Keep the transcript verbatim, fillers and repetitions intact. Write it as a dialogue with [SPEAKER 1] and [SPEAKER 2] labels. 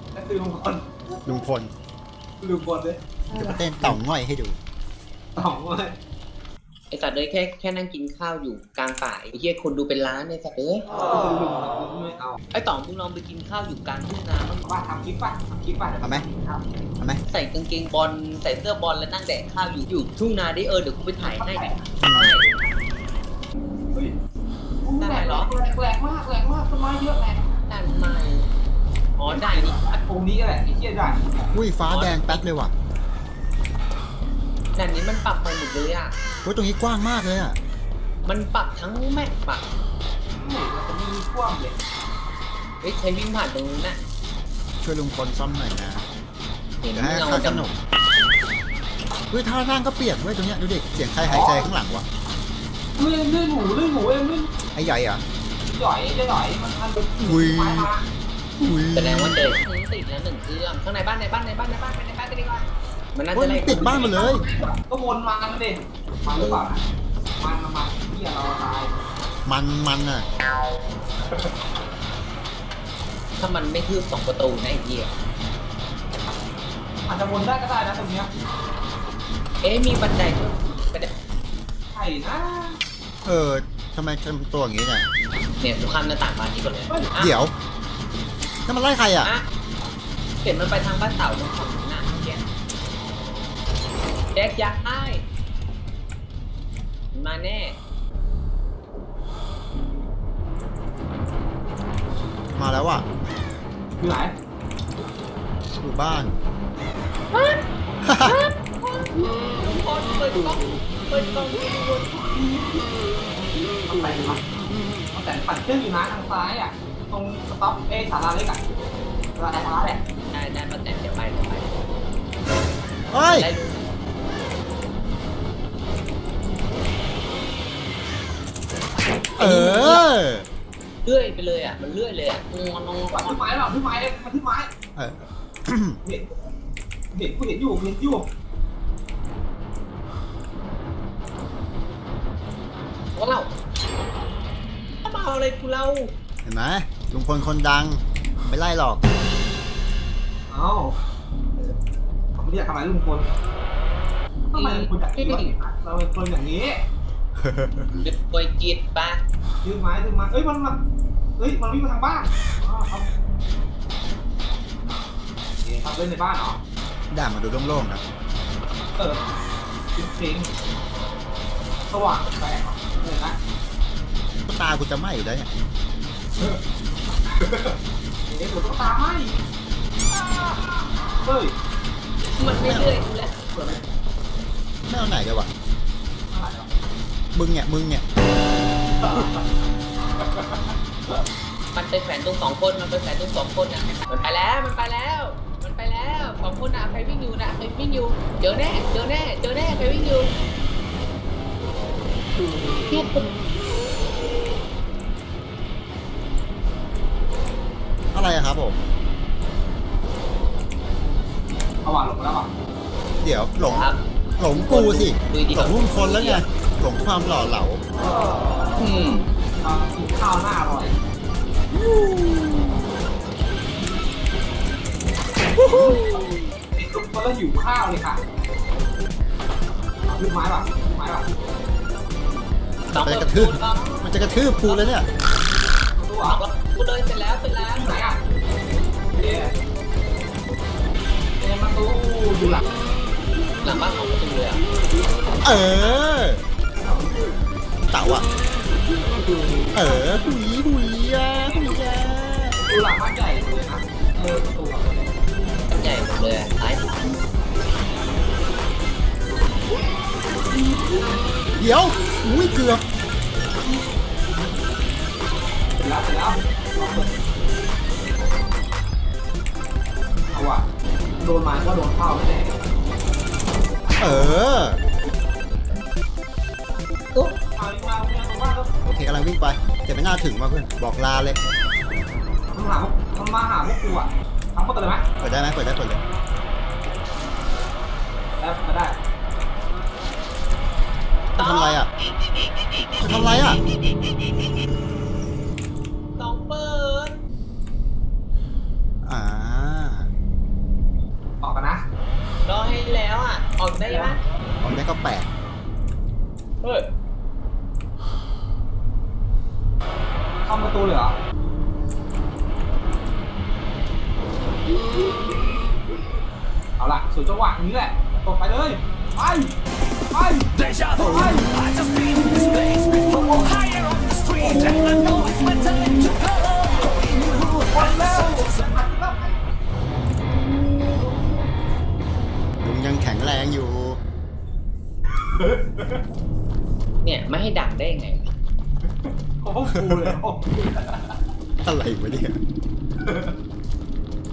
[SPEAKER 1] นั่นคือลุงพล
[SPEAKER 2] ลุงพล
[SPEAKER 1] ลุงพลเลย
[SPEAKER 2] จะมาเต้นเต่าง่อยให้ดู
[SPEAKER 1] สองเลย
[SPEAKER 3] ไอสัตว์เลยแค่แค่นั่งกินข้าวอยู่กลางป่าไอ้เหี้ยคนดูเป็นล้านไอสัตว์เลย
[SPEAKER 1] ลุงไม่เอา
[SPEAKER 3] ไอต่องมึงลองไปกินข้าวอยู่กลางทุ่งนาบ้าง
[SPEAKER 1] ว่าทำคลิปป่ะทำคลิปป่ะ
[SPEAKER 2] เอาไหม เอาไหม
[SPEAKER 3] ใส่กางเกงบอลใส่เสื้อบอลแล้วนั่งแดกข้าวอยู่อยู่ทุ่งนาได้เออเดี๋ยวกูไปถ่ายให้ดิ
[SPEAKER 1] เฮ้ยแหลกแหลกแหลกมากแหลกมากต้นไม้เยอะแหลก
[SPEAKER 3] ได้ไหมอ๋อได้นี่
[SPEAKER 1] ตรงนี้แหละไอ้เหี้ยได้
[SPEAKER 2] อุ้ยฟ้าแดงแป๊ดเลยว่ะ
[SPEAKER 3] ด่านนี้มันปรับไปหมดเลยอ่ะ
[SPEAKER 2] โอ้ยตรงนี้กว้างมากเลยอ่ะ
[SPEAKER 3] มันปรับทั้งแม็กปรับ
[SPEAKER 1] นี่มันจะมีกว้างเลย
[SPEAKER 3] เฮ้ยใช้วิ่งผ่านตรงนู้นน่ะ
[SPEAKER 2] ช่วยลุงพลซ่อมหน่อยนะ
[SPEAKER 3] เห็น
[SPEAKER 2] เดี๋ยวให้
[SPEAKER 3] เงา
[SPEAKER 2] ค่าข
[SPEAKER 3] ดำ
[SPEAKER 2] นมเฮ้ยท่าทางก็เปลี่ยนเว้ยตรงเนี้ยดูเด็กเสียงใครหายใจข้างหลังวะ
[SPEAKER 1] เลื่อนเลื่อนหมูเลื่อนหมูเองเลื่อน
[SPEAKER 2] ไอ้ใหญ่อ่ะ
[SPEAKER 1] หย่อยจะหย่อยมันมันเป็น
[SPEAKER 2] อุ้ย
[SPEAKER 1] ไม้มา
[SPEAKER 2] อุ้ย
[SPEAKER 3] แสดงว่าเจอติดแล้วหนึ่งเครื่องข้างในบ้านในบ้านในบ้านในบ้านไปในบ้านกันดีกว่ามันน่า
[SPEAKER 2] โอ้ย
[SPEAKER 3] จะ
[SPEAKER 2] มั
[SPEAKER 3] ไล่
[SPEAKER 2] นติดบ้านมาเลย
[SPEAKER 1] ก็วนมามันดิมันหรือเปล่ามันมันมันเหี้ยเราตาย
[SPEAKER 2] มันมันอ่ะ
[SPEAKER 3] ถ้ามันไม่คืบสองประตูนะไอ้เหี้ย
[SPEAKER 1] อาจจะวนได้ก็ได้นะตรงเนี้ย
[SPEAKER 3] เอ๊ะมีบันไดด้วยบันได
[SPEAKER 1] ใช่นะ
[SPEAKER 2] เออทำไมทำตัวอย่างงี้เนี่ย
[SPEAKER 3] เนี่ยกูข้ามหน้าต่างบ้านนี้ก่อนเลยอ่ะ
[SPEAKER 2] เดี๋ยวนั่นมันไล่ใครอ่ะ
[SPEAKER 3] อ่ะเห็นมันไปทางบ้านเต่าตรงฝั่งนู้นน่ะเมื่อกี้แจ็คยักษ์ไอ้มันมาแน่
[SPEAKER 2] มาแล้วอ่ะ
[SPEAKER 1] อยู่ไหน
[SPEAKER 2] อยู่บ้าน
[SPEAKER 3] ทุกคนเปิดกล้องเปิดกล้องดูบน
[SPEAKER 1] ต้องแต่งมาต้องแต่งปั่นเครื่องอยู่นะทางซ้ายอ่ะ ตรงสต็อปเอสาราเล็กอ่ะสาราซ้ายแหละ
[SPEAKER 3] ได้ได้มาแต่เดี๋ยวไปเดี๋ยวไป
[SPEAKER 2] เฮ้ย
[SPEAKER 3] ได้ดู
[SPEAKER 2] เออ
[SPEAKER 3] เลื่อยไปเลยอ่ะมันเลื่อยเลยอ่ะงอนง
[SPEAKER 1] ปั่นที่ไม้หรอที่ไม้เลยมันที่ไม้
[SPEAKER 2] เออ
[SPEAKER 1] เห็นเห็นกูเห็นอยู่เห็นอยู่
[SPEAKER 3] ว้าวมาเอาอะไรกูเล่า
[SPEAKER 2] เห็นไหมลุงพลคนดังไม่ไล่หรอก
[SPEAKER 1] เอ้าเขาไม่อยากทำอะไรลุงพลทำไมลุงพลอยากคิดว่าเราเป็นคนอย่างนี้
[SPEAKER 3] หยุดปล่อยจิตปะ
[SPEAKER 1] ยืนไม้ยืนไม้เอ้ยมันมาเฮ้ยมันวิ่งมาทางบ้านอ๋อครับเอ๊ะครับเล่นในบ้านเหรอ
[SPEAKER 2] ด่ามาดูโล่งๆนะ
[SPEAKER 1] เออจริงๆสว่างแปลกๆเลยนะ
[SPEAKER 2] ตากูจะไหม้อยู่แล้วเนี่ย
[SPEAKER 1] เอ๊ะเดี๋ยวต้องตามให้เฮ้ย
[SPEAKER 3] มันไม่เลื่อยกูแล้ว
[SPEAKER 1] เปิดไหม
[SPEAKER 2] ไม่เอาไหนเลยวะ
[SPEAKER 1] อะไรอ่ะ
[SPEAKER 2] มึงเนี่ยมึงเนี่ย
[SPEAKER 3] มันไปแขวนตรงสองคนมันไปแขวนตรงสองคนอ่ะมันไปแล้วมันไปแล้ว มันไปแล้วสองคนอ่ะใครวิ่งอยู่นะใครวิ่งอยู่เจอแน่เจอแน่เจอแน่ใครวิ่งอยู่เทียบกัน
[SPEAKER 2] อะไรอะครับผม
[SPEAKER 1] เอาว่ะลงมาแล้วว่ะ
[SPEAKER 2] เดี๋ยวหลง
[SPEAKER 3] ครับ
[SPEAKER 2] หลงกูสิ
[SPEAKER 3] ดูดิ
[SPEAKER 2] หลงลุงพลแล้วไงหลงความหล่อเหลา
[SPEAKER 3] อืม
[SPEAKER 1] เอากินข้าวหน้าอร่อยไอ้ตุ๊กก็แล้วหิวข้าวเลยค่ะลูกไม้ป่ะลูกไม้ป่ะ
[SPEAKER 3] สอง
[SPEAKER 2] มัน
[SPEAKER 3] ค
[SPEAKER 2] จะ
[SPEAKER 3] น
[SPEAKER 2] กระทืบมันจะกระทืบกูแล้วเนี่ย
[SPEAKER 1] ตัว
[SPEAKER 3] สองคนกูเลยเสร็จแล้วเสร็จแล้ว
[SPEAKER 1] ไหนอ่ะเอ๊ะเอ๊ะมาตู้อยู่หลัง
[SPEAKER 3] หลังบ้านของประตูเลยอ่ะ
[SPEAKER 2] เออเต่าอ่ะเออหุยหุยอ่ะหุยอ่ะ
[SPEAKER 1] ดูหลังบ้านใหญ่เลยนะเออประตูอ่ะ
[SPEAKER 3] ใหญ่หมดเลยอะซ้ายขวา
[SPEAKER 2] เดี๋ยวอุ้ยเกือบ
[SPEAKER 1] เสร็จแล้วเสร็จแล้วลองเปิดเอาว่ะโดนไม้ก็โดนเข้าไม่ได้
[SPEAKER 2] เออ
[SPEAKER 3] ตุ๊บ
[SPEAKER 1] เอาอีกมาเนี่ยผมว่าก็
[SPEAKER 2] โอเคกำลังวิ่งไปแต่ไม่น่าถึงว่ะเพื่อนบอกลาเลย
[SPEAKER 1] มันหามันมาหาพวกกูอ่ะทำเปิดเลยไหม
[SPEAKER 2] เปิดได้ไหมเปิดได้เปิดเลย
[SPEAKER 1] แล้วมาได้
[SPEAKER 2] จะทำอะไรอ่ะจะทำอะไรอ่ะ
[SPEAKER 3] สองเปิด
[SPEAKER 2] อ่าก็แปด
[SPEAKER 3] เฮ้ย
[SPEAKER 1] เข้าประตูเลยเหรอเอาล่ะสู่จังหวะนี้แหละตกไปเลยไปไปไป
[SPEAKER 4] I just been in this place before. Higher on the street, and I know it's my time to go.
[SPEAKER 1] วันแล้ว
[SPEAKER 2] ลุงยังแข็งแรงอยู่
[SPEAKER 3] เนี่ยไม่ให้ดักได้ยังไงวะ
[SPEAKER 1] โอ้โหกูเลยโอ้โห
[SPEAKER 2] อะไรวะเนี่ย